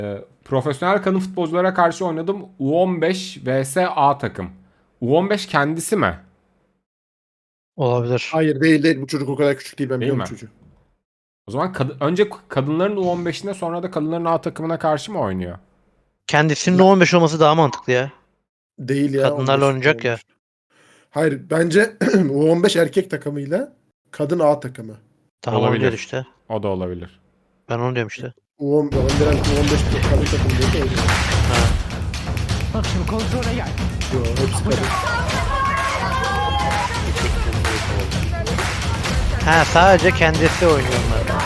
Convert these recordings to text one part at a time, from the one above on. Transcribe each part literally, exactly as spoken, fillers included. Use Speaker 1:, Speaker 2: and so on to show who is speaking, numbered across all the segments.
Speaker 1: Profesyonel kadın futbolculara karşı oynadım. U on beş vs A takım. U on beş kendisi mi?
Speaker 2: Olabilir.
Speaker 3: Hayır değil değil. Bu çocuk o kadar küçük değil. Ben
Speaker 1: Değil
Speaker 3: biliyorum
Speaker 1: mi?
Speaker 3: bu çocuğu.
Speaker 1: O zaman kad- önce kadınların U on beşine sonra da kadınların A takımına karşı mı oynuyor?
Speaker 2: Kendisinin on beş olması daha mantıklı ya.
Speaker 3: Değil ya.
Speaker 2: Kadınlarla
Speaker 3: on beş,
Speaker 2: oynayacak ya.
Speaker 3: on beş. Hayır bence U on beş erkek takımıyla kadın A takımı.
Speaker 2: Tamam
Speaker 1: Olabilir.
Speaker 2: oluyor işte.
Speaker 1: O da olabilir.
Speaker 2: Ben onu diyorum işte.
Speaker 3: U on beş, Önder U on beş kadın takımı diye de öyle.
Speaker 2: Ha.
Speaker 4: Bak şimdi kontrole gel.
Speaker 3: Yo, hepsi kadın.
Speaker 2: Ha sadece kendisi oynuyor onlar.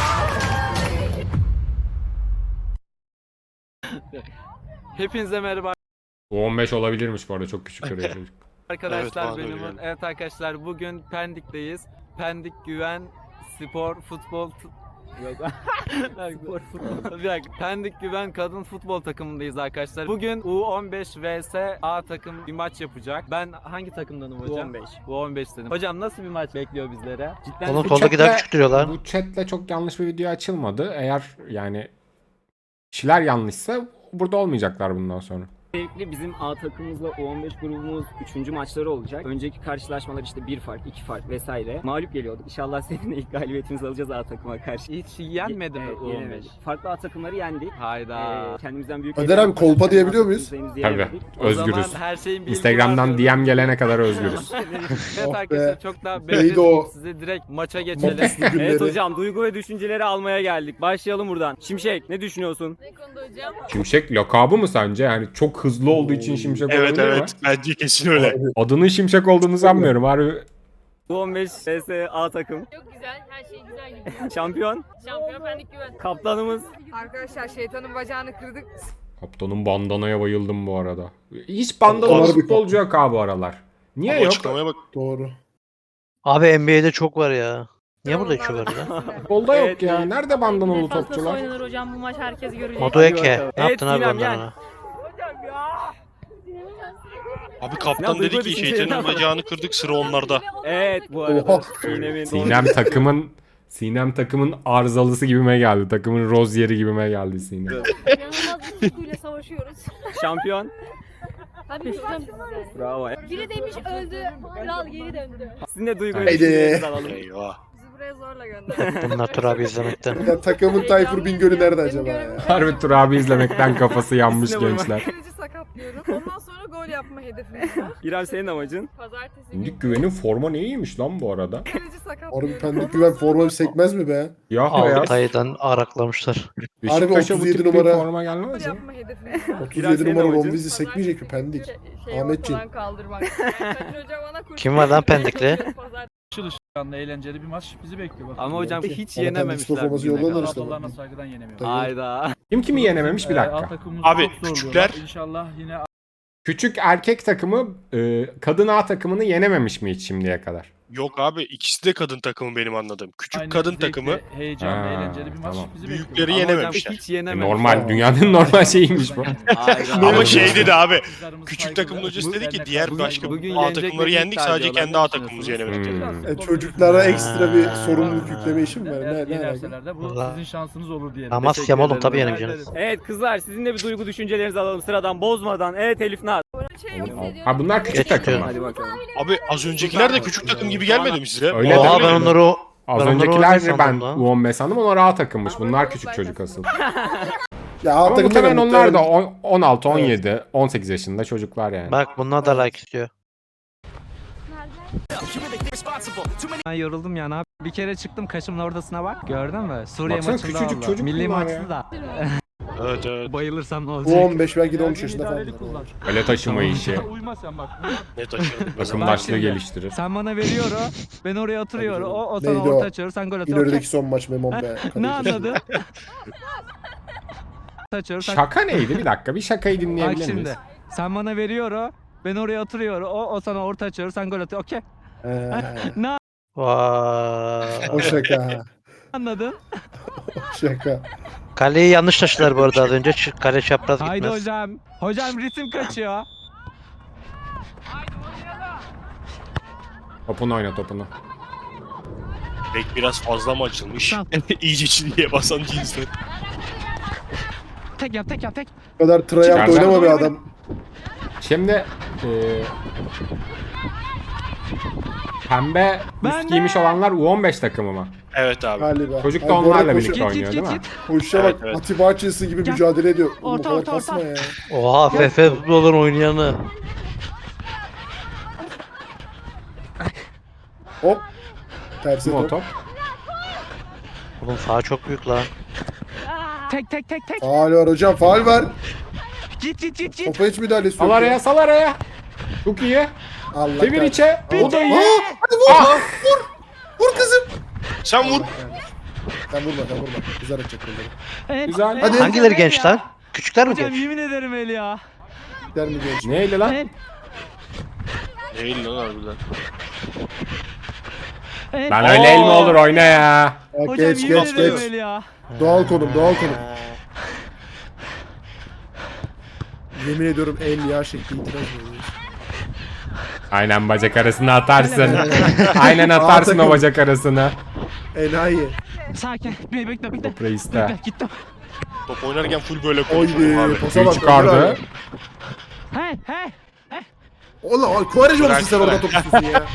Speaker 5: Hepinize merhaba
Speaker 1: U on beş olabilirmiş bu arada, çok küçük duruyor çocuk.
Speaker 5: arkadaşlar.
Speaker 6: Evet, bana da
Speaker 5: benim
Speaker 6: öyle geldi.
Speaker 5: evet arkadaşlar, bugün Pendik'teyiz. Pendik Güven Spor Futbol t- Yok. Spor futbol. Bir dakika. Pendik Güven kadın futbol takımındayız arkadaşlar. Bugün U on beş vs A takım bir maç yapacak. Ben hangi takımdanım hocam?
Speaker 6: U on beş.
Speaker 5: U on beş dedim. Hocam nasıl bir maç bekliyor bizlere? Cidden
Speaker 2: Oğlum
Speaker 1: Bu
Speaker 2: soldaki daha
Speaker 1: chatle-
Speaker 2: küçük duruyorlar.
Speaker 1: Bu chatle çok yanlış bir video açılmadı. Eğer yani kişiler yanlışsa burada olmayacaklar bundan sonra.
Speaker 7: Öncelikle bizim A takımımızla U on beş grubumuz üçüncü maçları olacak. Önceki karşılaşmalar işte bir fark, iki fark vesaire. Mağlup geliyorduk. İnşallah seninle ilk galibiyetimizi alacağız A takıma karşı.
Speaker 5: hiç yenmedi mi
Speaker 7: Evet,
Speaker 5: U on beş?
Speaker 7: yenemedik. Farklı A takımları yendik.
Speaker 5: Hayda.
Speaker 7: Ee, kendimizden büyük...
Speaker 3: Önder abi, kolpa diyebiliyor muyuz?
Speaker 1: Tabii.
Speaker 5: O zaman
Speaker 1: Özgürüz.
Speaker 5: her şeyin bilgi
Speaker 1: Instagram'dan
Speaker 5: var
Speaker 1: D M gelene kadar özgürüz.
Speaker 5: Evet
Speaker 3: Oh
Speaker 5: arkadaşlar,
Speaker 3: be.
Speaker 5: çok daha
Speaker 3: Neydi
Speaker 5: bekletmeyeyim,
Speaker 3: o?
Speaker 5: size direkt maça geçelim.
Speaker 3: Mopuslu günleri.
Speaker 7: Evet hocam, duygu ve düşünceleri almaya geldik. Başlayalım buradan. Şimşek, ne düşünüyorsun?
Speaker 8: Ne konuda hocam?
Speaker 1: Şimşek lakabı mı sence? Yani çok hızlı olduğu için Şimşek
Speaker 6: Evet
Speaker 1: olabilir mi?
Speaker 6: evet bence kesin öyle.
Speaker 1: Adının Şimşek olduğunu sanmıyorum. Harbi
Speaker 7: U on beş vs A takım.
Speaker 8: Çok güzel, her şey güzel gidiyor.
Speaker 7: Şampiyon,
Speaker 8: Şampiyon Pendik Güven.
Speaker 7: kaptanımız.
Speaker 9: Arkadaşlar şeytanın bacağını kırdık.
Speaker 1: kaptanın bandanaya bayıldım bu arada. Hiç bandanalı
Speaker 3: Onlar bir-
Speaker 1: futbolcu yok abi bu aralar. Niye
Speaker 6: Ama
Speaker 1: yok?
Speaker 6: açıklamaya bak.
Speaker 3: Doğru.
Speaker 2: Abi N B A'de çok var ya. Niye burada hiç yok ya?
Speaker 1: Futbolda yok
Speaker 7: Evet,
Speaker 1: ya.
Speaker 7: iyi.
Speaker 1: Nerede bandanalı
Speaker 8: Defansla
Speaker 1: topçular?
Speaker 8: oynanır hocam, bu maç herkes görecek.
Speaker 2: Modoeke. Ne
Speaker 7: Evet,
Speaker 2: yaptın abi
Speaker 7: Sinem,
Speaker 2: ondan
Speaker 7: gel.
Speaker 2: ona?
Speaker 6: Abi kaptan
Speaker 7: Ya,
Speaker 6: dedi
Speaker 7: duygu
Speaker 6: ki
Speaker 7: düşünceleri
Speaker 6: şeytanın
Speaker 7: ama.
Speaker 6: bacağını kırdık, sıra onlarda.
Speaker 7: Evet bu arada.
Speaker 3: Oha.
Speaker 7: Sinem'in
Speaker 1: Sinem takımın Sinem takımın arızalısı gibime geldi. Takımın Rozier'i gibime geldi Sinem.
Speaker 8: İnanılmaz bir tutkuyla savaşıyoruz.
Speaker 7: şampiyon.
Speaker 8: Tabii ki hocam.
Speaker 7: Bravo.
Speaker 8: Biri demiş öldü, kral geri döndü.
Speaker 7: Sizin de duygu ve
Speaker 1: Haydi.
Speaker 7: düşüncelerinizi alalım.
Speaker 6: Eyvah.
Speaker 9: Bizi buraya zorla gönderdi.
Speaker 2: Bunlar Tur abi izlemekten.
Speaker 3: Ya takımın Tayfur Bingöl'ü nerede acaba ya?
Speaker 1: Harbi Tur abi izlemekten kafası yanmış
Speaker 7: İkisine vurma.
Speaker 1: gençler.
Speaker 9: Kaleci sakatlıyorum. Ondan sonra gol yapma hedefimiz var.
Speaker 7: İrem, senin amacın?
Speaker 9: Pazartesi
Speaker 1: Şimdi Güven'in forma ne iyiymiş lan bu arada.
Speaker 9: kaleci sakatlıyorum.
Speaker 3: Orada pendik güven forma sekmez mi be?
Speaker 1: Ya beyaz.
Speaker 2: Altay'dan araklamışlar.
Speaker 1: Beşiktaş'a bu
Speaker 3: otuz yedi
Speaker 1: tip bir
Speaker 3: numara.
Speaker 1: forma
Speaker 9: Gol
Speaker 1: gelmez mi?
Speaker 9: yapma hedefimiz var.
Speaker 3: otuz
Speaker 7: Biraz
Speaker 3: yedi
Speaker 7: senin
Speaker 3: numara
Speaker 7: amacın.
Speaker 3: Romviz'i sekmeyecek mi pendik?
Speaker 9: Şey
Speaker 3: Ahmetciğim.
Speaker 9: ortadan kaldırmak. Yani Kadir Hoca bana kurtardı.
Speaker 2: Kim var lan Pendikli?
Speaker 9: Pazartesi
Speaker 4: Çalışkanlı eğlenceli bir maç bizi bekliyor. Bakalım.
Speaker 5: Ama hocam
Speaker 3: Bence.
Speaker 5: hiç
Speaker 3: Ama
Speaker 5: yenememişler.
Speaker 3: Pendik forması
Speaker 5: bugüne
Speaker 3: yollanır
Speaker 5: kadar.
Speaker 3: işte.
Speaker 4: Ablalarına saygıdan yenemiyor.
Speaker 3: Tabii.
Speaker 5: Hayda.
Speaker 1: Kim kimi yenememiş bir
Speaker 4: Ee, alt
Speaker 1: dakika.
Speaker 4: takımımız
Speaker 6: Abi,
Speaker 4: çok zorluyorlar.
Speaker 6: küçükler-
Speaker 4: İnşallah yine
Speaker 1: Küçük erkek takımı e, kadın A takımını yenememiş mi hiç şimdiye kadar?
Speaker 6: Yok abi, ikisi de kadın takımı benim anladığım. Küçük
Speaker 4: aynı
Speaker 6: kadın
Speaker 4: zevkli,
Speaker 6: takımı
Speaker 4: heyecanlı,
Speaker 1: Ha,
Speaker 4: eğlenceli bir maç
Speaker 1: tamam.
Speaker 4: bizi
Speaker 6: Büyükleri
Speaker 4: bekliyor.
Speaker 5: Ama hocam
Speaker 6: yenememişler.
Speaker 5: hiç
Speaker 1: E,
Speaker 5: yenememişler.
Speaker 1: normal, dünyanın normal şeyiymiş bu.
Speaker 5: Hayda.
Speaker 6: Ama
Speaker 2: Aynen.
Speaker 6: şey dedi abi.
Speaker 4: Kızlarımız
Speaker 6: Küçük
Speaker 4: saygılı,
Speaker 6: takımın hocası
Speaker 4: bu
Speaker 6: dedi ki
Speaker 4: dernekler
Speaker 6: diğer
Speaker 4: saygılı.
Speaker 6: başka
Speaker 5: Bugün
Speaker 6: A
Speaker 5: yenecek
Speaker 6: takımları
Speaker 5: ve
Speaker 6: yendik, sadece
Speaker 5: diyorlar.
Speaker 6: kendi A
Speaker 5: Ne
Speaker 6: takımımızı
Speaker 5: düşünüyorsunuz?
Speaker 6: yenemedik.
Speaker 1: Hmm.
Speaker 3: E, çocuklara ekstra bir
Speaker 2: Ha.
Speaker 3: sorumluluk yükleme işi mi var?
Speaker 4: Eğer
Speaker 3: Ne, ne alaka?
Speaker 4: yenerseler de bu
Speaker 2: Vallahi.
Speaker 4: sizin şansınız olur diyelim.
Speaker 2: Amasya'm oğlum tabii
Speaker 5: ederim.
Speaker 2: yenemeyeceğiniz.
Speaker 7: Evet kızlar, sizin de bir duygu düşüncelerinizi alalım sıradan bozmadan. Evet Elif Naz.
Speaker 9: şey yok.
Speaker 1: Ha bunlar küçük
Speaker 2: Geç
Speaker 1: takım
Speaker 2: diyor.
Speaker 1: mı?
Speaker 7: Hadi bakalım.
Speaker 6: Abi az öncekiler de küçük takım gibi gelmedi mi size?
Speaker 1: Öyle
Speaker 2: Oha
Speaker 1: de-
Speaker 2: ben onları o...
Speaker 1: Az
Speaker 2: Ben onları
Speaker 1: öncekiler
Speaker 2: orada
Speaker 1: de ben
Speaker 2: sandım lan.
Speaker 1: U on beş sandım. Onlar A takımmış. Bunlar küçük çocuk asıl.
Speaker 3: Ya
Speaker 1: Ama
Speaker 3: alt takımda
Speaker 1: muhtemelen
Speaker 3: da
Speaker 1: onlar da
Speaker 3: muhtemelen-
Speaker 1: on- on altı, on yedi, on sekiz yaşında çocuklar yani.
Speaker 2: Bak bunlar da like istiyor.
Speaker 5: Ben yoruldum ya, ne yap- Bir kere çıktım kaşımın ortasına bak. Gördün mü? Suriye
Speaker 1: Baksana,
Speaker 5: maçında
Speaker 1: küçücük
Speaker 5: oldu.
Speaker 1: çocuk
Speaker 5: Milli
Speaker 1: bunlar
Speaker 5: maçta
Speaker 1: ya.
Speaker 5: da.
Speaker 6: Evet evet.
Speaker 5: Bayılırsam ne
Speaker 3: Bu
Speaker 5: olacak?
Speaker 3: on beş belki de on üç yaşında falan.
Speaker 4: İdareli kullan.
Speaker 1: Öyle taşıma işi.
Speaker 4: Uyma sen bak.
Speaker 6: Ne taşıyorduk?
Speaker 1: Takımdaşlığı
Speaker 5: şimdi-
Speaker 1: geliştirir.
Speaker 5: Sen bana veriyor o, ben oraya oturuyorum. O, o sana
Speaker 3: Neydi
Speaker 5: orta
Speaker 3: o?
Speaker 5: açıyor, sen gol atıyorsun.
Speaker 3: İlerideki son maç Memon be.
Speaker 5: Ne anladın? Açıyor, sen...
Speaker 1: Şaka neydi? Bir dakika, bir şakayı
Speaker 5: Bak
Speaker 1: dinleyebilir miyiz?
Speaker 5: şimdi, sen bana veriyor o, ben oraya oturuyorum. O, o sana orta açıyor, sen gol atıyorsun. Okey.
Speaker 3: Ee,
Speaker 5: Ne
Speaker 2: Vay.
Speaker 3: o şaka.
Speaker 5: anladın?
Speaker 3: O şaka.
Speaker 2: Kaleyi yanlış taşıdılar bu arada az önce. Ç- Kale çapraz
Speaker 5: Haydi
Speaker 2: gitmez.
Speaker 5: hocam. Hocam ritim kaçıyor.
Speaker 1: Topunu oyna topunu.
Speaker 6: Bek biraz fazla mı açılmış? İyice çizgiye basan cinsler.
Speaker 4: Tek yap tek yap tek.
Speaker 3: Bu kadar tryhard
Speaker 1: Çıkardı.
Speaker 3: oynama bir adam.
Speaker 1: Şimdi e, pembe
Speaker 4: Ben
Speaker 1: üst giymiş
Speaker 4: de.
Speaker 1: olanlar U on beş takımı mı?
Speaker 6: Evet abi.
Speaker 3: Galiba.
Speaker 1: Çocuk da
Speaker 3: Ay, bu arada
Speaker 1: onlarla
Speaker 3: koşu-
Speaker 1: birlikte
Speaker 4: Git
Speaker 1: oynuyor
Speaker 4: git
Speaker 1: değil
Speaker 4: git
Speaker 1: mi?
Speaker 4: git.
Speaker 3: Koşuşa
Speaker 6: Evet,
Speaker 3: bak.
Speaker 6: evet.
Speaker 3: Atiba Bahçesi gibi
Speaker 4: Gel.
Speaker 3: mücadele ediyor. Oğlum bu
Speaker 4: Orta,
Speaker 3: kadar
Speaker 4: orta, orta.
Speaker 3: kasma ya.
Speaker 2: Oha F F futbolun oynayanı.
Speaker 3: Hop. Tersi
Speaker 1: Bu o
Speaker 3: top.
Speaker 1: top.
Speaker 2: Oğlum saha çok büyük lan.
Speaker 4: Tek tek tek tek.
Speaker 3: Faal var hocam. Faal var.
Speaker 4: Git git git git.
Speaker 3: Topa hiç müdahalesi
Speaker 1: Sal
Speaker 3: yok.
Speaker 1: araya sal araya. Çok iyi.
Speaker 3: Allah
Speaker 1: Çevir
Speaker 3: kahretsin.
Speaker 1: içe. O da iyi.
Speaker 3: Aa, hadi vur.
Speaker 1: Ah!
Speaker 3: Vur. Vur kızım.
Speaker 6: Sen vur.
Speaker 3: Sen vurma sen vurma. Kızar atacak bunları.
Speaker 4: Evet,
Speaker 1: Güzel.
Speaker 4: evet.
Speaker 3: Hadi.
Speaker 2: Hangileri genç lan? Küçükler mi
Speaker 4: Hocam
Speaker 2: genç?
Speaker 4: yemin ederim el ya.
Speaker 3: Der mi genç?
Speaker 1: Neydi lan?
Speaker 4: El.
Speaker 6: Değil lan harbiden.
Speaker 4: El.
Speaker 1: Lan öyle el mi olur oyna ya.
Speaker 3: Ya,
Speaker 4: Hocam
Speaker 3: geç
Speaker 4: yemin
Speaker 3: geç
Speaker 4: ederim
Speaker 3: geç.
Speaker 4: el ya.
Speaker 3: Doğal konum doğal konum. Yemin ediyorum el ya şekli itiraz ediyoruz.
Speaker 1: Aynen bacak arasına atarsın. Aynen atarsın o
Speaker 3: takım.
Speaker 1: bacak arasına.
Speaker 3: Enayi.
Speaker 4: Sakin. Bekle bekle bekle.
Speaker 1: Top reiste.
Speaker 4: Bekle gittim.
Speaker 6: Top oynarken full böyle konuşuyorum
Speaker 3: Oydi.
Speaker 6: abi.
Speaker 3: Pasa
Speaker 1: Tüy
Speaker 3: bak.
Speaker 1: çıkardı.
Speaker 4: He he.
Speaker 3: Oğlum Kuvareci
Speaker 6: Bırak,
Speaker 3: olmuşsun sen orada
Speaker 6: bırak.
Speaker 3: top istiyorsun ya.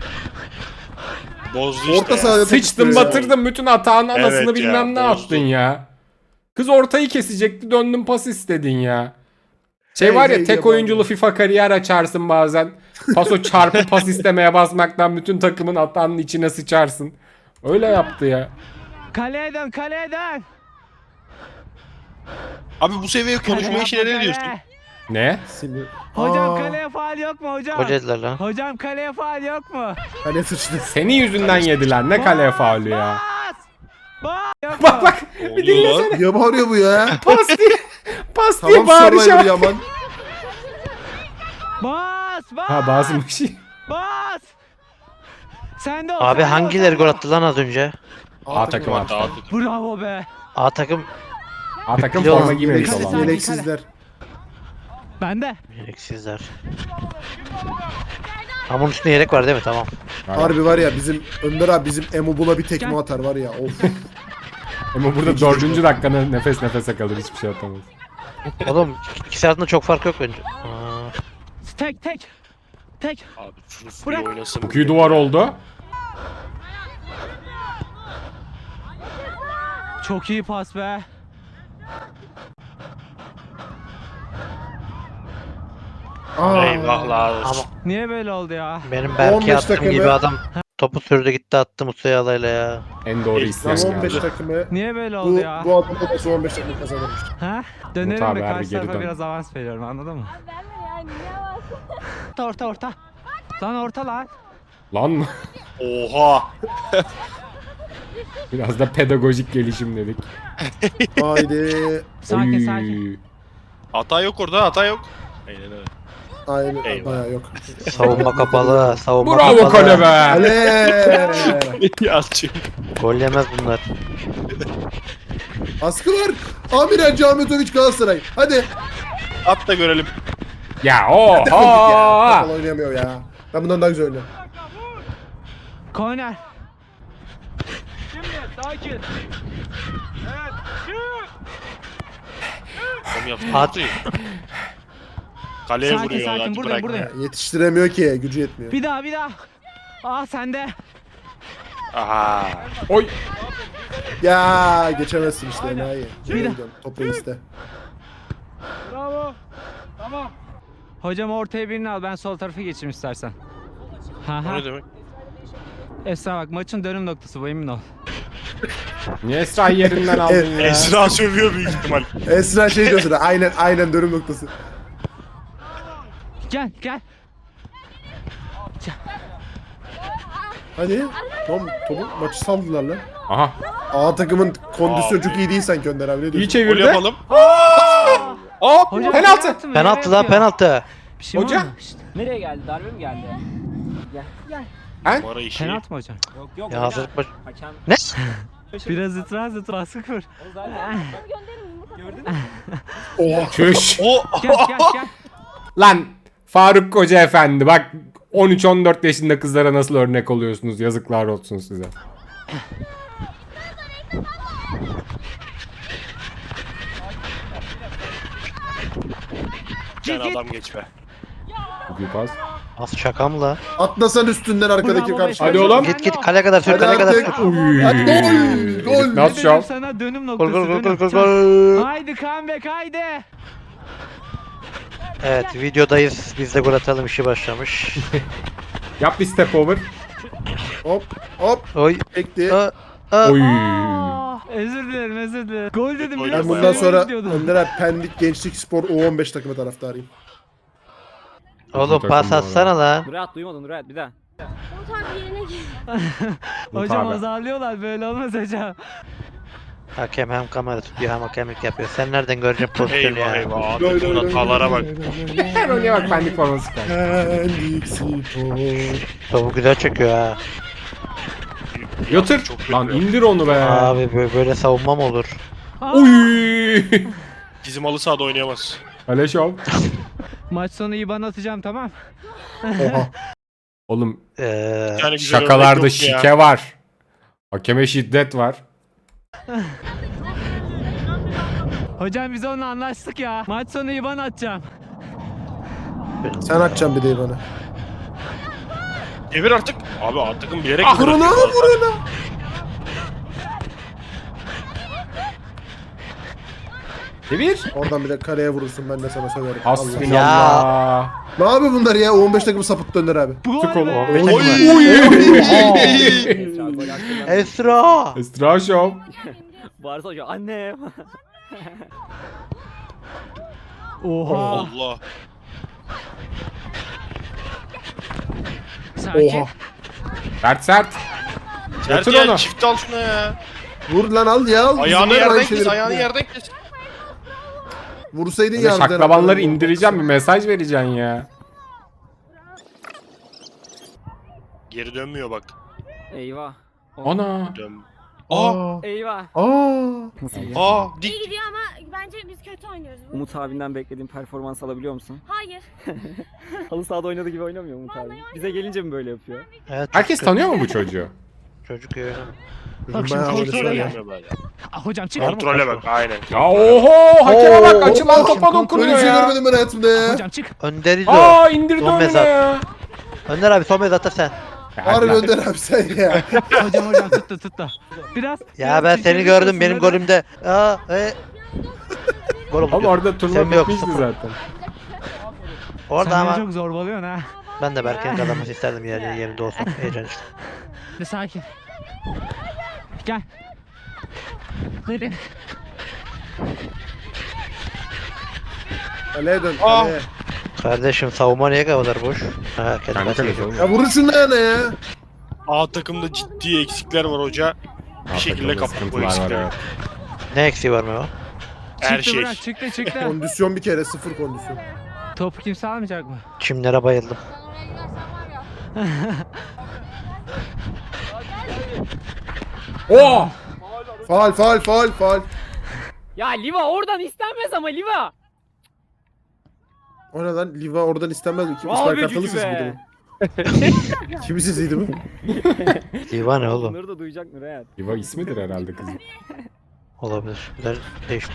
Speaker 6: Bozdu işte.
Speaker 3: Orta
Speaker 6: ya.
Speaker 3: sahada top
Speaker 1: Sıçtın
Speaker 3: istiyor ya.
Speaker 1: batırdın bütün atağın anasını
Speaker 6: Evet ya,
Speaker 1: bilmem ne
Speaker 6: bozdu.
Speaker 1: yaptın ya. Kız ortayı kesecekti döndün pas istedin ya. Şey
Speaker 3: Hey,
Speaker 1: var ya
Speaker 3: hey,
Speaker 1: tek
Speaker 3: yapan
Speaker 1: oyunculu FIFA kariyer açarsın bazen. Paso çarpı pas istemeye basmaktan bütün takımın atağının içine sıçarsın. Öyle yaptı ya.
Speaker 4: Kaleye dön kaleye dön.
Speaker 6: Abi bu seviye konuşma işine ne diyorsun?
Speaker 1: Ne?
Speaker 3: Sinir.
Speaker 4: Hocam
Speaker 3: Aa,
Speaker 4: kaleye faal yok mu hocam?
Speaker 2: Hoca dediler lan.
Speaker 4: Hocam kaleye faal yok mu?
Speaker 3: Kale sıçtı.
Speaker 1: Senin yüzünden yediler. Ne kaleye faulü ya.
Speaker 4: Bas! Bas! Yok
Speaker 1: Bak
Speaker 4: mu?
Speaker 1: bak
Speaker 6: Ne
Speaker 1: bir
Speaker 6: oluyor lan?
Speaker 1: dinlesene.
Speaker 3: Niye bağırıyor bu ya?
Speaker 1: Pas diye. Pas diye
Speaker 3: Tamam Survivor
Speaker 1: bağıracağım.
Speaker 3: Yaman.
Speaker 4: Bas! Bas!
Speaker 1: Ha bazımış.
Speaker 4: Bas! Sen de ol,
Speaker 2: Abi
Speaker 4: sen de ol,
Speaker 2: hangileri
Speaker 4: sen
Speaker 2: gol
Speaker 4: de ol.
Speaker 2: attı lan az önce?
Speaker 1: A takım
Speaker 6: Hatta
Speaker 1: attı.
Speaker 6: artık.
Speaker 4: Bravo be.
Speaker 2: A takım
Speaker 1: A takım
Speaker 2: Yok,
Speaker 1: forma giymemiş
Speaker 3: Yeleksiz,
Speaker 1: olan.
Speaker 4: Yelek-
Speaker 3: yeleksizler.
Speaker 4: Ben de.
Speaker 2: gereksizler. Ama bunun üstünde yelek var değil mi? Tamam.
Speaker 3: Harbi var ya bizim Önder abi bizim Emo buna bir tekme atar var ya. Of.
Speaker 1: Ama burada dördüncü dakikada nefes nefese kalır hiçbir şey atamaz.
Speaker 2: Oğlum ikisi arasında çok fark yok bence. Aa,
Speaker 4: Tek tek. Tek.
Speaker 6: Abi şunu
Speaker 4: Bırak.
Speaker 6: full oynasın.
Speaker 1: Çok iyi duvar oldu.
Speaker 4: Çok iyi pas be.
Speaker 3: Aa,
Speaker 6: Eyvahlar
Speaker 2: ama
Speaker 6: olsun.
Speaker 4: Niye böyle oldu ya?
Speaker 2: benim
Speaker 3: on
Speaker 2: belki
Speaker 3: beş
Speaker 2: attığım
Speaker 3: takımı-
Speaker 2: gibi adam topu sürdü gitti attı Mustafa Alay'la ya.
Speaker 1: En doğru
Speaker 6: İlk
Speaker 1: isteyen
Speaker 3: Tam on beş
Speaker 1: geldi.
Speaker 3: takımı.
Speaker 4: Niye böyle oldu
Speaker 3: Bu,
Speaker 4: ya?
Speaker 3: bu adam da son on beş takımı kazanırmış.
Speaker 4: Ha? Dönelim
Speaker 1: Umut abi,
Speaker 4: de
Speaker 1: harbi
Speaker 4: karşı
Speaker 1: geri
Speaker 4: tarafa
Speaker 1: dön.
Speaker 4: biraz avans veriyorum anladın mı?
Speaker 8: Yani ne var?
Speaker 4: Orta orta orta. Lan orta lan.
Speaker 1: Lan
Speaker 6: Oha.
Speaker 1: biraz da pedagojik gelişim dedik.
Speaker 3: Haydi.
Speaker 4: Sakin
Speaker 1: Oy.
Speaker 4: sakin.
Speaker 6: Hata yok orada, hata yok. Aynen öyle.
Speaker 3: Aynen.
Speaker 6: Eyvah.
Speaker 3: Bayağı yok.
Speaker 2: Savunma kapalı, savunma
Speaker 1: Bravo
Speaker 2: kapalı.
Speaker 1: kale be.
Speaker 3: Ale.
Speaker 6: Yalçın.
Speaker 2: Gol yemez bunlar.
Speaker 3: Askı var. Amiren Cametovic Galatasaray. Hadi.
Speaker 6: At da görelim.
Speaker 1: Ya
Speaker 3: Defol git ya.
Speaker 1: oha.
Speaker 3: Futbol oynayamıyor ya. Ben bundan daha güzel oynuyorum.
Speaker 4: Korner.
Speaker 6: Tam yaptı.
Speaker 2: At.
Speaker 6: At. Kaleye
Speaker 4: Sakin,
Speaker 6: vuruyor.
Speaker 4: sakin.
Speaker 6: hadi
Speaker 4: Buradayım,
Speaker 6: bırak.
Speaker 4: buradayım.
Speaker 3: Ya, yetiştiremiyor ki. Gücü yetmiyor.
Speaker 4: Bir daha bir daha. Aa sende.
Speaker 6: Aha.
Speaker 1: Oy.
Speaker 3: Ya geçemezsin işte enayi.
Speaker 4: Bir de-
Speaker 3: Top reiste.
Speaker 4: Bravo. Tamam. Hocam ortaya birini al ben sol tarafa geçeyim istersen. Ha
Speaker 6: O
Speaker 4: ha.
Speaker 6: ne demek?
Speaker 4: Esra bak maçın dönüm noktası bu emin ol.
Speaker 1: Niye Esra'yı yerinden aldın ya?
Speaker 6: Esra sövüyor büyük ihtimal.
Speaker 3: Esra şey diyorsun. Aynen aynen dönüm noktası.
Speaker 4: Gel gel.
Speaker 3: Hadi. Tom, topu maçı saldılar lan.
Speaker 1: Aha.
Speaker 3: A takımın kondisyonu
Speaker 6: Abi.
Speaker 3: çok iyi değil sanki Önder abi. Ne
Speaker 1: İyi
Speaker 3: diyorsun?
Speaker 6: Gol
Speaker 1: çevirdi.
Speaker 6: yapalım.
Speaker 1: Hop
Speaker 4: Hocam
Speaker 1: penaltı.
Speaker 4: mı?
Speaker 2: Penaltı
Speaker 4: Nereye
Speaker 2: lan
Speaker 4: yapıyor?
Speaker 2: penaltı.
Speaker 4: Bir şey mi
Speaker 1: Hoca.
Speaker 4: oldu? Şşt,
Speaker 7: Nereye geldi? Darbe mi geldi?
Speaker 6: Numara işi.
Speaker 4: Penaltı mı hocam?
Speaker 7: Yok yok.
Speaker 2: Ya hazırlık baş...
Speaker 7: Hakem.
Speaker 2: Ne?
Speaker 4: Biraz itiraz et baskı kur.
Speaker 7: O zaten. Gördün mü?
Speaker 3: Oha.
Speaker 1: Çüş.
Speaker 6: O.
Speaker 4: Gel gel gel.
Speaker 1: Lan Faruk Koca Efendi bak on üç on dört yaşında kızlara nasıl örnek oluyorsunuz yazıklar olsun size.
Speaker 6: tane
Speaker 4: git.
Speaker 6: adam geç be.
Speaker 1: Bir pas.
Speaker 2: Az şaka mı la?
Speaker 3: Atlasan üstünden arkadaki
Speaker 4: Bravo,
Speaker 3: karşı.
Speaker 1: Hadi oğlum.
Speaker 2: Git git kale kadar sür
Speaker 3: Hadi
Speaker 2: kale kadar
Speaker 3: artık.
Speaker 2: sür.
Speaker 1: Uy.
Speaker 3: Hadi gol. Gol.
Speaker 1: Nasıl
Speaker 4: Dedim
Speaker 1: şov?
Speaker 4: sana dönüm
Speaker 2: Gol
Speaker 4: noktası.
Speaker 2: gol gol
Speaker 4: dönüm.
Speaker 2: gol gol
Speaker 4: Çak.
Speaker 2: gol.
Speaker 4: Haydi comeback haydi.
Speaker 2: Evet videodayız. Biz de gol atalım işi başlamış.
Speaker 1: Yap bir step over.
Speaker 3: Hop hop.
Speaker 2: Oy.
Speaker 3: Ekti.
Speaker 2: Aa, aa.
Speaker 1: Oy.
Speaker 4: Aa, özür dilerim özür dilerim. Gol dedim
Speaker 6: Ben
Speaker 4: biliyor
Speaker 3: Ben
Speaker 4: musun?
Speaker 3: bundan
Speaker 6: Gol
Speaker 3: sonra
Speaker 4: Gidiyordum.
Speaker 3: Önder abi Pendik Gençlik Spor U on beş takımı taraftarıyım.
Speaker 2: Oğlum pas atsana la.
Speaker 7: Murat duymadın Murat bir daha.
Speaker 8: O tarz yerine gir.
Speaker 4: Hocam
Speaker 1: Tabii.
Speaker 4: azarlıyorlar böyle olmaz hocam.
Speaker 2: Hakem hem kamera tutuyor hem hakemlik yapıyor. Sen nereden göreceksin pozisyonu
Speaker 6: Eyvah
Speaker 2: ya?
Speaker 6: eyvah. Abi bu hatalara bak.
Speaker 1: Her oyuna bak benlik forması çıkar.
Speaker 3: Pendik Spor.
Speaker 2: Topu güzel çekiyor ha.
Speaker 1: Yatır.
Speaker 6: Çok kötü.
Speaker 1: Lan indir onu be.
Speaker 2: Abi bö- böyle savunma mı olur?
Speaker 1: Uy.
Speaker 6: Bizim halı sahada oynayamaz.
Speaker 1: Kale şov.
Speaker 4: Maç sonu I B A N atacağım tamam.
Speaker 3: Oha.
Speaker 1: Oğlum
Speaker 2: Ee,
Speaker 6: Yani güzel
Speaker 1: şakalarda
Speaker 6: örnek yok ya.
Speaker 1: şike var. Hakeme şiddet var.
Speaker 4: Hocam biz onunla anlaştık ya. Maç sonu I B A N atacağım.
Speaker 3: Sen atacaksın bir de bana.
Speaker 6: Devir artık. Abi artıkın bilerek
Speaker 1: Ah,
Speaker 6: mi
Speaker 3: Vurun
Speaker 6: bırakıyor
Speaker 3: onu
Speaker 6: bazen?
Speaker 3: vurun.
Speaker 1: Devir.
Speaker 3: Oradan bir de kaleye vurursun ben de sana söylerim. Allah.
Speaker 1: Hasbinallah.
Speaker 3: Ne yapıyor bunlar ya? U on beş takımı sapıttı Önder abi.
Speaker 4: Bu
Speaker 1: Tık
Speaker 4: gol
Speaker 1: oğlum.
Speaker 4: be.
Speaker 2: Oy. Esra.
Speaker 1: Estra şov.
Speaker 7: Varsa hocam anne.
Speaker 4: Oha.
Speaker 6: Allah.
Speaker 4: Sakin.
Speaker 3: Oha.
Speaker 1: Sert sert.
Speaker 6: Sert
Speaker 1: Yatır
Speaker 6: ya
Speaker 1: onu.
Speaker 6: çift al şuna ya.
Speaker 3: Vur lan al ya. al.
Speaker 6: Ayağını
Speaker 3: Bizim
Speaker 6: yerden
Speaker 3: aynı
Speaker 6: kes,
Speaker 3: şeyleri
Speaker 6: ayağını
Speaker 3: yapıyor.
Speaker 6: yerden kes.
Speaker 3: Vursaydın
Speaker 1: Böyle
Speaker 3: ya.
Speaker 1: şaklabanları indireceğim, bir mesaj vereceksin ya.
Speaker 6: Geri dönmüyor bak.
Speaker 7: Eyvah.
Speaker 1: Ana.
Speaker 6: Dön. Aa,
Speaker 7: Eyvah.
Speaker 3: Aa.
Speaker 6: aa,
Speaker 8: İyi
Speaker 6: dik.
Speaker 8: gidiyor ama bence biz kötü oynuyoruz. Bu-
Speaker 7: Umut abinden beklediğin performans alabiliyor musun?
Speaker 8: Hayır.
Speaker 7: Halı sahada oynadığı gibi oynamıyor Umut abi. Bize gelince mi böyle yapıyor?
Speaker 2: Evet,
Speaker 1: Herkes
Speaker 2: çocuk-
Speaker 1: tanıyor mu bu çocuğu?
Speaker 2: Çocuk öyle.
Speaker 4: Bak şimdi
Speaker 3: Bayağı
Speaker 4: kontrole
Speaker 3: öyle
Speaker 4: gel.
Speaker 3: söylüyor.
Speaker 6: Dönmüyor böyle.
Speaker 4: Ah, hocam çık.
Speaker 6: Kontrole bak aynen.
Speaker 1: Ya oho, hakeme bak,
Speaker 3: Oo,
Speaker 1: açılan
Speaker 3: oo,
Speaker 1: topa
Speaker 3: Böyle
Speaker 1: dokunuyor
Speaker 3: bir şey
Speaker 1: ya.
Speaker 3: görmedim ben hayatımda ya.
Speaker 4: Hocam çık.
Speaker 2: Önder İzo.
Speaker 1: Aa, indirdi
Speaker 2: Son
Speaker 1: önüne
Speaker 2: mezat.
Speaker 1: ya.
Speaker 2: Önder abi son mezata sen.
Speaker 3: Harbi Önder abi sen ya.
Speaker 4: Hocam hocam tuttu tuttu. Biraz.
Speaker 2: Ya
Speaker 4: biraz
Speaker 2: ben seni
Speaker 4: çirkinlik
Speaker 2: gördüm
Speaker 4: olsun
Speaker 2: benim
Speaker 4: böyle.
Speaker 2: golümde. Aa, e. Gol oldu.
Speaker 1: Ama orada
Speaker 2: Sen
Speaker 1: turnuva
Speaker 2: mi yoksun?
Speaker 1: bitmişti zaten.
Speaker 2: Orada
Speaker 4: Sen beni
Speaker 2: ama
Speaker 4: çok zorbalıyorsun ha.
Speaker 2: ben de Berke'nin kazanması isterdim yer, yerinde olsam. Heyecan işte.
Speaker 4: Bir sakin. Gel. Verin.
Speaker 3: Kaleye dön
Speaker 6: Aa.
Speaker 3: kaleye.
Speaker 2: Kardeşim savunma niye kadar boş? Ha kendi
Speaker 1: Kendi
Speaker 2: kalesi
Speaker 1: kalesi
Speaker 2: yok.
Speaker 1: oğlum.
Speaker 3: Ya vurun şunu yana ya.
Speaker 6: A takımda ciddi eksikler var hoca. Bir şekilde
Speaker 1: Takımda
Speaker 6: kapattık bu
Speaker 1: sıkıntılar var,
Speaker 6: eksikleri.
Speaker 1: evet.
Speaker 2: Ne eksiği var mı o?
Speaker 6: Her
Speaker 4: Çıktı
Speaker 6: şey.
Speaker 4: bırak çıktı çıktı.
Speaker 3: Kondisyon bir kere sıfır kondisyon.
Speaker 4: Topu kimse almayacak mı?
Speaker 2: Çimlere bayıldım.
Speaker 1: Oo!
Speaker 3: Faal faal faal faal.
Speaker 7: Ya Liva oradan istenmez ama Liva.
Speaker 3: O ne lan? Liva oradan istenmez mi? Kim?
Speaker 7: Abi
Speaker 3: İsmail Kartal'ı
Speaker 7: cücü
Speaker 3: siz
Speaker 7: be.
Speaker 3: miydi bu? Kimi sesiydi bu?
Speaker 2: Diva ne oğlum?
Speaker 7: Bunları da duyacak mı Reyhan?
Speaker 1: Yuva ismidir herhalde kızın.
Speaker 2: Olabilir. Güzel değişti.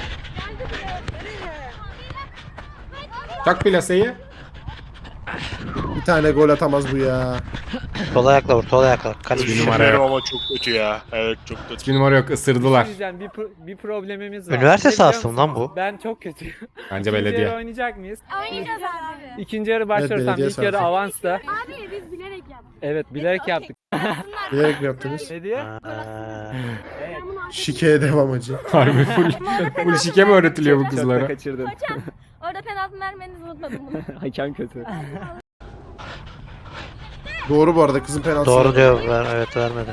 Speaker 1: Çak plaseyi.
Speaker 3: Bir tane gol atamaz bu ya.
Speaker 2: Sol ayakla vur, sol ayakla. Kaleci.
Speaker 1: Bir numara
Speaker 6: Numara
Speaker 1: yok.
Speaker 6: ama çok kötü ya. Evet çok kötü.
Speaker 1: Hiçbir numara yok, ısırdılar.
Speaker 5: Diyeceğim, bir, pro- bir problemimiz var.
Speaker 2: Üniversite
Speaker 5: Ne biliyor
Speaker 2: sahası mı
Speaker 5: musun?
Speaker 2: lan bu?
Speaker 5: Ben çok kötüyüm.
Speaker 1: Bence
Speaker 5: İkinci yarı
Speaker 1: belediye.
Speaker 5: oynayacak mıyız?
Speaker 8: Oynayacağız abi.
Speaker 5: İkinci yarı başlarsam
Speaker 3: belediye
Speaker 5: ilk yarı
Speaker 3: sahası.
Speaker 5: avansta.
Speaker 8: Abi biz bilerek yaptık.
Speaker 5: Evet, bilerek yaptık.
Speaker 3: Bilerek mi yaptınız?
Speaker 5: Ne diye?
Speaker 2: Aa,
Speaker 3: Şikeye devam acı.
Speaker 1: Harbi full, full şike mi öğretiliyor bu
Speaker 5: Çok da
Speaker 1: kızlara?
Speaker 5: kaçırdın.
Speaker 8: Orada penaltı vermenizi unutmadım bunu.
Speaker 7: Hakem kötü.
Speaker 3: Doğru bu arada kızın penaltısı.
Speaker 2: doğru diyor. Ver, evet vermedi.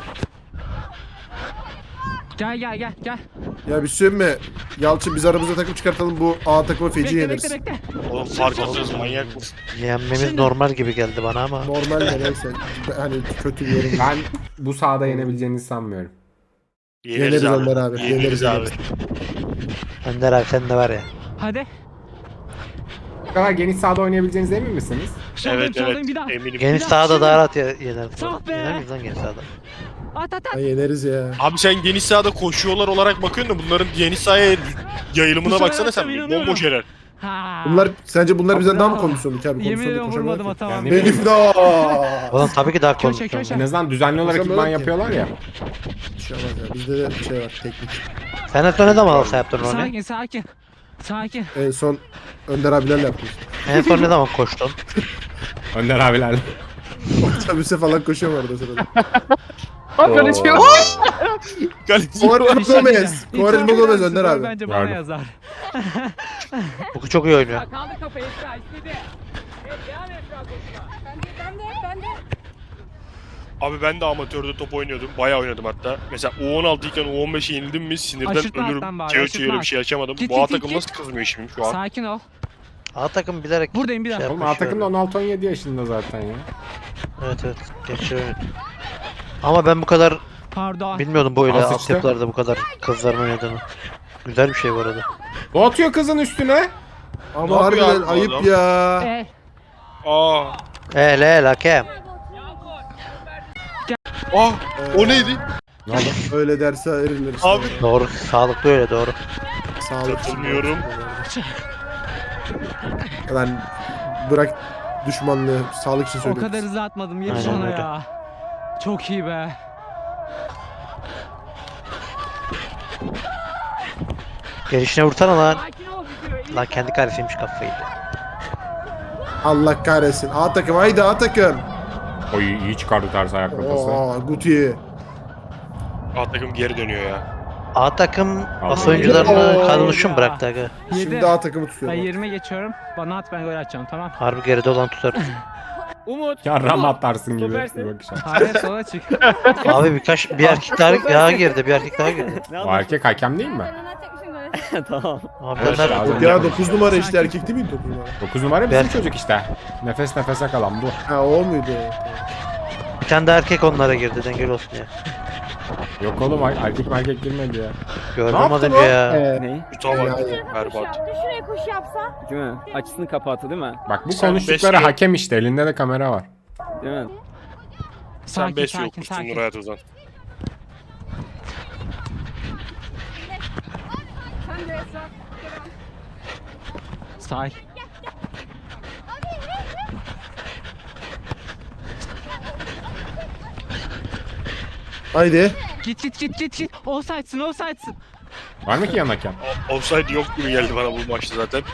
Speaker 4: Gel gel gel gel.
Speaker 3: Ya bir şey mi? Yalçın biz aramızda takım çıkartalım bu A takımı feci
Speaker 4: Bekle
Speaker 3: yeneriz.
Speaker 4: bekle bekle.
Speaker 6: Oğlum fark atıyoruz manyak mısın?
Speaker 2: Yenmemiz normal gibi geldi bana ama.
Speaker 3: Normal de neyse. Hani kötü bir yorum.
Speaker 1: Ben bu sahada yenebileceğinizi sanmıyorum.
Speaker 3: Yeneriz Önder abi,
Speaker 6: Yeneriz
Speaker 3: yeneriz,
Speaker 6: abi.
Speaker 3: yeneriz.
Speaker 2: Önder abi sen de var ya.
Speaker 4: Hadi.
Speaker 1: Bu kadar geniş sahada oynayabileceğinize emin misiniz?
Speaker 4: Soldayım,
Speaker 6: Evet
Speaker 4: soldayım,
Speaker 6: evet
Speaker 4: bir daha.
Speaker 6: eminim.
Speaker 2: Geniş
Speaker 4: Ya,
Speaker 2: sahada
Speaker 4: şimdi-
Speaker 2: daha rahat ye- yeneriz.
Speaker 4: Sah be!
Speaker 2: Yener miyiz lan geniş sahada?
Speaker 4: At at at.
Speaker 3: Ha, yeneriz ya.
Speaker 6: Abi sen geniş sahada koşuyorlar olarak bakıyorsun da bunların geniş sahaya
Speaker 4: Bu
Speaker 6: yayılımına
Speaker 4: sefer
Speaker 6: baksana sen.
Speaker 4: atacağım, inanıyorum.
Speaker 6: Bomboş yerler.
Speaker 4: Ha.
Speaker 3: Bunlar sence bunlar bizden daha mı
Speaker 4: Bravo.
Speaker 3: kondisyonlu ki abi?
Speaker 4: Yemin
Speaker 3: Kondisyonlu
Speaker 4: ediyorum vurmadım
Speaker 3: koşamıyorlar
Speaker 4: atamam.
Speaker 3: ki. Benim de.
Speaker 2: Oğlum tabii ki daha
Speaker 4: Köşe,
Speaker 2: kondisyonlu.
Speaker 4: köşe.
Speaker 1: En azından düzenli olarak
Speaker 3: Koşamıyorlar
Speaker 1: idman
Speaker 3: ki.
Speaker 1: yapıyorlar ya.
Speaker 3: Bir şey olmaz ya. Bizde de bir şey var teknik.
Speaker 2: Sen en son ne zaman alsa yaptın onu?
Speaker 4: Sakin sakin. Sakin.
Speaker 3: En son Önder abilerle yaptık.
Speaker 2: En son ne zaman koştun?
Speaker 1: Önder abilerle.
Speaker 3: Otobüse falan koşuyorum arada sırada.
Speaker 6: Kaleci.
Speaker 3: Kovarel
Speaker 4: Bir şey
Speaker 3: Gomez.
Speaker 4: diyeceğim.
Speaker 3: Kovarel
Speaker 4: İtiraf eder
Speaker 3: Gomez
Speaker 4: misin?
Speaker 3: Önder
Speaker 4: Gol
Speaker 3: abi.
Speaker 4: Bence bana
Speaker 1: Yardım.
Speaker 4: yazar.
Speaker 2: Bu çok iyi oynuyor.
Speaker 9: Kaldı kafayı Esra istedi. Evet devam et Esra koşma. Ben de ben de ben de.
Speaker 6: Abi ben de amatörde top oynuyordum. Bayağı oynadım hatta. Mesela U on altı iken U on beşe yenildim mi sinirden
Speaker 4: Aşırtma
Speaker 6: ölürüm.
Speaker 4: alttan bari,
Speaker 6: Çığır
Speaker 4: aşırtma
Speaker 6: çığır bir
Speaker 4: alt.
Speaker 6: şey açamadım.
Speaker 4: Git,
Speaker 6: Bu
Speaker 4: git,
Speaker 6: A
Speaker 4: git,
Speaker 6: takım
Speaker 4: git.
Speaker 6: nasıl kızmıyor şimdi şu an?
Speaker 4: Sakin ol.
Speaker 2: A takım bilerek
Speaker 4: Buradayım bir
Speaker 2: şey
Speaker 4: dakika.
Speaker 1: Oğlum A
Speaker 2: yapmış
Speaker 1: takım da
Speaker 2: yani.
Speaker 1: on altı on yedi yaşında zaten ya.
Speaker 2: Evet evet. Geçiyor. Ama ben bu kadar
Speaker 4: Pardon.
Speaker 2: bilmiyordum böyle
Speaker 1: Al sıçtı.
Speaker 2: altyapılarda bu kadar kızların oynadığını. Güzel bir şey bu arada.
Speaker 1: O atıyor kızın üstüne.
Speaker 6: Ne
Speaker 3: Ama
Speaker 6: yapıyor
Speaker 3: harbiden
Speaker 6: abi bu
Speaker 3: ayıp
Speaker 6: adam?
Speaker 3: ya.
Speaker 4: Eh,
Speaker 6: Aa.
Speaker 2: El el hakem.
Speaker 6: Ah. O neydi?
Speaker 1: Ne oldu?
Speaker 3: Öyle derse verilir işte.
Speaker 6: Abi.
Speaker 2: Doğru. Sağlıklı öyle doğru.
Speaker 3: Sağlık.
Speaker 6: Katılmıyorum.
Speaker 3: Lan bırak düşmanlığı. Sağlık için
Speaker 4: o
Speaker 3: söylüyorum.
Speaker 4: kadar hızlı atmadım. Yetiş
Speaker 2: Aynen
Speaker 4: ona
Speaker 2: öyle.
Speaker 4: ya. Çok iyi be.
Speaker 2: Gelişine vursana lan.
Speaker 9: Sakin ol gidiyor.
Speaker 2: Lan kendi karesiymiş kafayı.
Speaker 3: Allah kahretsin. A takım haydi A takım.
Speaker 1: Oy iyi çıkardı ters ayak kafası.
Speaker 3: Oo Guti.
Speaker 6: A takım geri dönüyor ya.
Speaker 2: A takım as
Speaker 1: Oo.
Speaker 2: oyuncularını kadroşu mu bıraktı aga?
Speaker 4: Yedi.
Speaker 3: Şimdi A takımı
Speaker 4: Ben
Speaker 3: tutuyor.
Speaker 4: yirmi geçiyorum. Bana at ben gol atacağım tamam.
Speaker 2: Harbi geride olan tutar.
Speaker 5: Umut.
Speaker 1: Ya ram atarsın gibi.
Speaker 5: Süpersin.
Speaker 1: Bir bakış at.
Speaker 4: Hayır sola çık.
Speaker 2: Abi birkaç bir erkek daha, daha girdi, bir erkek daha girdi.
Speaker 1: O erkek hakem değil mi?
Speaker 8: Ben atacakmışım böyle.
Speaker 7: Tamam.
Speaker 2: Abi
Speaker 1: Evet,
Speaker 2: ben
Speaker 1: lazım.
Speaker 2: nerede?
Speaker 3: Ya dokuz numara işte erkek değil miydi dokuz numara?
Speaker 1: dokuz numara bizim
Speaker 2: Ben-
Speaker 1: çocuk işte. Nefes nefese kalan bu.
Speaker 3: Ha o muydu?
Speaker 2: Bir tane de erkek onlara girdi, dengeli olsun ya.
Speaker 1: Yok oğlum er- erkek erkek girmedi ya.
Speaker 2: Gördüm
Speaker 1: Ne
Speaker 2: az
Speaker 1: yaptın
Speaker 2: önce
Speaker 1: o?
Speaker 2: ya.
Speaker 3: Ee,
Speaker 7: Ne?
Speaker 6: Şuta bak.
Speaker 3: Ya,
Speaker 8: Koşu
Speaker 6: Berbat.
Speaker 8: yaptı. Şuraya koşu yapsa.
Speaker 7: Değil mi? Açısını kapattı değil mi?
Speaker 1: Bak bu
Speaker 6: Sen
Speaker 1: konuştukları
Speaker 6: beş-
Speaker 1: hakem işte. Elinde de kamera var.
Speaker 7: Değil mi?
Speaker 6: Sen
Speaker 4: Sakin
Speaker 6: beş
Speaker 4: sakin
Speaker 6: yokmuşsun
Speaker 4: sakin.
Speaker 6: Nur Hayat Ozan.
Speaker 9: Sen de Esra.
Speaker 4: Say.
Speaker 3: haydi.
Speaker 4: Git git git git git. Offside'sın offside'sın.
Speaker 1: Var mı ki yan hakem?
Speaker 6: O- Offside yok gibi geldi bana bu maçta zaten.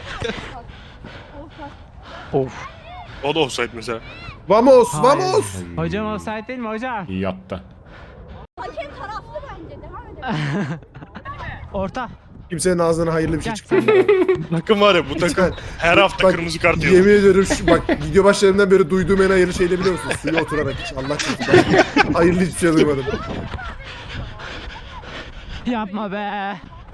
Speaker 2: Of.
Speaker 6: O da offside mesela.
Speaker 3: Vamos,
Speaker 4: Hayır.
Speaker 3: vamos.
Speaker 4: Hocam offside değil mi hocam?
Speaker 1: İyi yattı.
Speaker 8: Hakem taraflı bence. Devam edelim.
Speaker 4: Orta.
Speaker 3: Kimsenin ağzından hayırlı bir şey
Speaker 4: Gel.
Speaker 3: çıkmıyor.
Speaker 6: Takım var ya bu takım her hafta
Speaker 3: Bak,
Speaker 6: kırmızı kart yiyor.
Speaker 3: Yemin ediyorum şu, bak video başlarından beri duyduğum en hayırlı şey de biliyor musun? Suya oturarak hiç Allah korusun. Ben hayırlı hiçbir şey duymadım.
Speaker 4: Yapma be.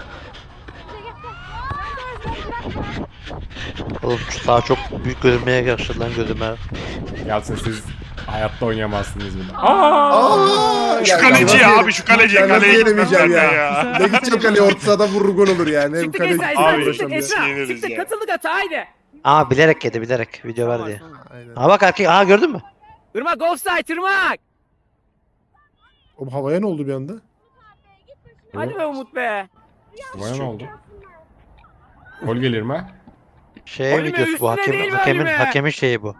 Speaker 2: Oğlum şu daha çok büyük görünmeye başladı lan gözüme.
Speaker 1: Gelsin siz hayatta oynayamazsınız bile.
Speaker 3: Aa,
Speaker 6: Şu kaleci ya abi şu kaleci
Speaker 3: Ben nasıl
Speaker 6: kaleye
Speaker 3: yenemeyeceğim
Speaker 6: gitmem ben
Speaker 3: ya.
Speaker 6: ya.
Speaker 3: Ne gideceğim kaleye orta sahada vurur gol olur yani. Hem
Speaker 9: Çıktık
Speaker 3: kaleye
Speaker 9: Esra.
Speaker 3: gidip
Speaker 6: Abi,
Speaker 9: Esra.
Speaker 3: uğraşamıyor.
Speaker 9: Çıktık Esra.
Speaker 6: Siniriz
Speaker 9: Çıktık
Speaker 6: ya.
Speaker 9: katıldık ata haydi.
Speaker 2: Aa bilerek yedi bilerek video ver diye.
Speaker 3: Aynen.
Speaker 2: Aa bak erkek, aa gördün mü?
Speaker 9: Irmak offside Irmak.
Speaker 3: Oğlum havaya ne oldu bir anda?
Speaker 9: Hadi be Umut be.
Speaker 1: Bana ne oldu? Gol gelir mi?
Speaker 2: Şey
Speaker 9: Oğlum,
Speaker 2: videosu bu
Speaker 9: üstüne değil
Speaker 2: hakemin
Speaker 9: mi
Speaker 2: hakemin
Speaker 9: Halime?
Speaker 2: hakemin şeyi bu.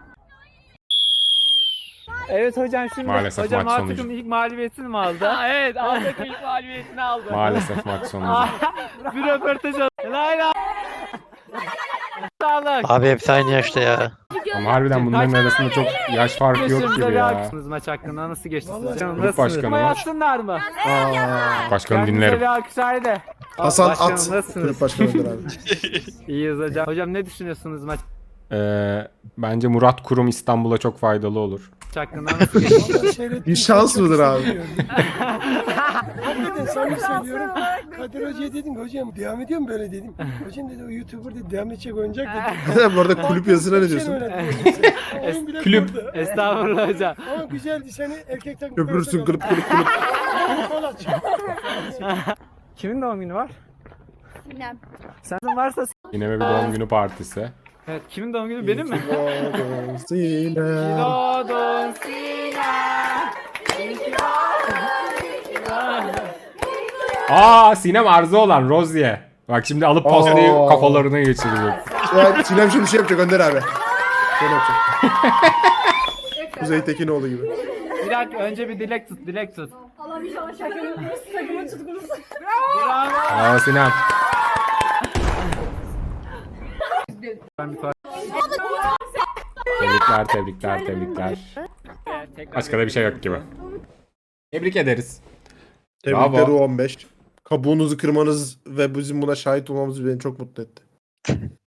Speaker 5: Evet hocam şimdi
Speaker 1: Maalesef
Speaker 5: hocam
Speaker 1: maç
Speaker 5: A
Speaker 1: sonucu.
Speaker 5: takım ilk mağlubiyetini mi aldı?
Speaker 9: Ha, evet A takım ilk mağlubiyetini aldı.
Speaker 1: Maalesef maç sonucu.
Speaker 5: Bir röportaj al. Lay lay. Sağlık.
Speaker 2: Abi hepsi aynı yaşta ya.
Speaker 1: Ama harbiden bunların arasında çok yaş farkı yok
Speaker 5: Geçtiğimize
Speaker 1: gibi
Speaker 5: bir
Speaker 1: ya.
Speaker 5: alkışınız maç hakkında nasıl geçti sizce? Canım,
Speaker 1: Grup
Speaker 5: nasılsınız?
Speaker 1: başkanı
Speaker 5: Ama
Speaker 1: var.
Speaker 5: yapsınlar mı?
Speaker 3: Aa,
Speaker 1: Başkanı
Speaker 5: Kendinize
Speaker 1: dinlerim.
Speaker 5: bir alkış haydi.
Speaker 3: Hasan
Speaker 5: Başkanım,
Speaker 3: At.
Speaker 5: nasılsınız?
Speaker 3: Kulüp başkanıdır abi.
Speaker 5: İyiyiz hocam. Hocam ne düşünüyorsunuz maç
Speaker 1: Ee, bence Murat Kurum İstanbul'a çok faydalı olur.
Speaker 5: hakkında nasıl geçti?
Speaker 3: Bir şans mıdır abi?
Speaker 10: Hakikaten samimi söylüyorum. Kadir Hoca'ya dedim hocam devam ediyor mu böyle dedim. Hocam dedi o YouTuber dedi devam edecek oyuncak dedi.
Speaker 3: Bu arada kulüp yazısına ne diyorsun?
Speaker 10: Oyun bile
Speaker 1: Kulüp.
Speaker 10: kurdu.
Speaker 5: Estağfurullah hocam.
Speaker 10: Ama güzeldi seni erkek takım.
Speaker 3: Köpürürsün kulüp kulüp kulüp.
Speaker 5: Kimin doğum günü var?
Speaker 8: Sinem.
Speaker 5: Senin varsa
Speaker 1: Yine bir doğum günü partisi.
Speaker 5: evet, kimin doğum günü benim mi?
Speaker 3: Doğdun Sinem.
Speaker 5: Doğdun
Speaker 1: Aa Sinem Arzu olan Rozier. Bak şimdi alıp pastayı
Speaker 3: Aa.
Speaker 1: kafalarına geçirecek.
Speaker 3: Ya Sinem şimdi şey yapacak Önder abi. Şöyle yapacak. Kuzey Tekinoğlu gibi.
Speaker 5: Bir dakika önce bir dilek tut, dilek tut.
Speaker 8: Allah inşallah şarkının takımın tutkunuzu.
Speaker 1: Aa Sinem. Tebrikler, tebrikler, tebrikler. Başka da bir şey yok gibi. Tebrik ederiz.
Speaker 3: Tebrikler
Speaker 1: Bravo.
Speaker 3: U on beş. Kabuğunuzu kırmanız ve bizim buna şahit olmamız beni çok mutlu etti.